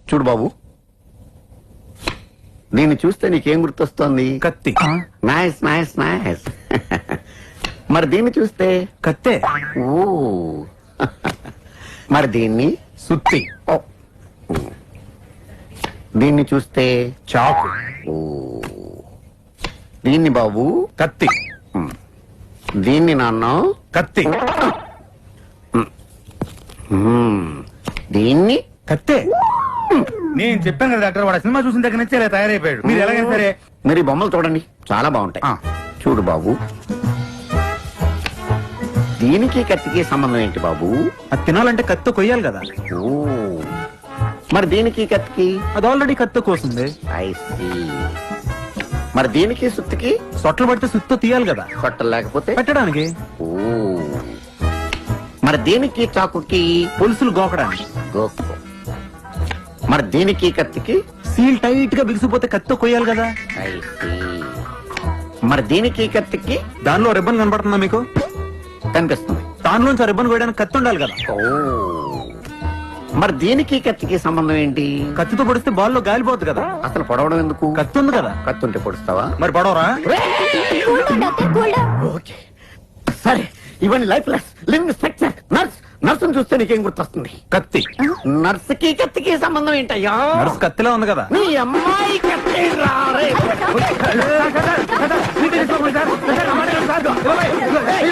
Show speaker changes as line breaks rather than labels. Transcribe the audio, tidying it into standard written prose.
చూడు బాబు, దీన్ని చూస్తే నీకేం గుర్తొస్తోంది?
కత్తి.
Nice nice nice. మరి దీన్ని చూస్తే?
కత్తే.
ఓ. మరి దీన్ని?
సుత్తి.
ఓ. దీన్ని చూస్తే?
చాకు.
ఓ. దీన్ని బాబు?
కత్తి.
దీన్ని నాన్న?
కత్తి.
దీన్ని?
కత్తే. నేను చెప్పాను కదా డాక్టర్, వాడు సినిమా చూసిన దగ్గర నుంచి ఇలా తయారైపోయాడు. మీరు ఎలాగైనా సరే
మీరు ఈ బొమ్మలు చూడండి, చాలా బాగుంటాయి. చూడు బాబు, దీనికి కత్తికి సంబంధం ఏంటి బాబు?
అది తినాలంటే కత్తి కొయ్యాలి కదా.
ఓ. మరి దీనికి కత్తికి?
అది ఆల్రెడీ కత్తి కోసింది.
I see. మరి దీనికి సుత్తికి?
సొట్లు పడితే సుత్తో తీయాలి కదా.
కొట్టలు లేకపోతే
పెట్టడానికి.
ఓ. మరి దీనికి చాకుకి?
పులుసులు గోకడానికి.
గోకు. మరి దీనికి కత్తికి?
సీల్ టైట్ గా బిగిసిపోతే కత్తి కొయ్యాలి కదా.
I see. మరి దీనికి కత్తికి?
దానిలో రిబ్బన్ కనపడుతుందా మీకు?
కనిపిస్తుంది.
దానిలోంచి ఆ రిబ్బన్ కొయ్యడానికి కత్తి ఉండాలి కదా.
ఓ. మరి దీనికి కత్తికి సంబంధం ఏంటి?
కత్తితో పొడిస్తే బాల్లో గాలిపోద్ది కదా.
అసలు పొడవడం ఎందుకు?
కత్తి ఉంది కదా.
కత్తి ఉంటే పొడుస్తావా?
మరి పొడవరా?
ఓకే సరే, ఇవన్నీ లైఫ్ లెస్ లివింగ్ స్ట్రక్చర్. నర్సును చూస్తే నీకేం గుర్తొస్తుంది?
కత్తి.
నర్సుకి కత్తికి సంబంధం ఏంటయ్యా?
నర్సు కత్తిలా ఉంది కదా.
నీ అమ్మాయి కత్తి రా రే.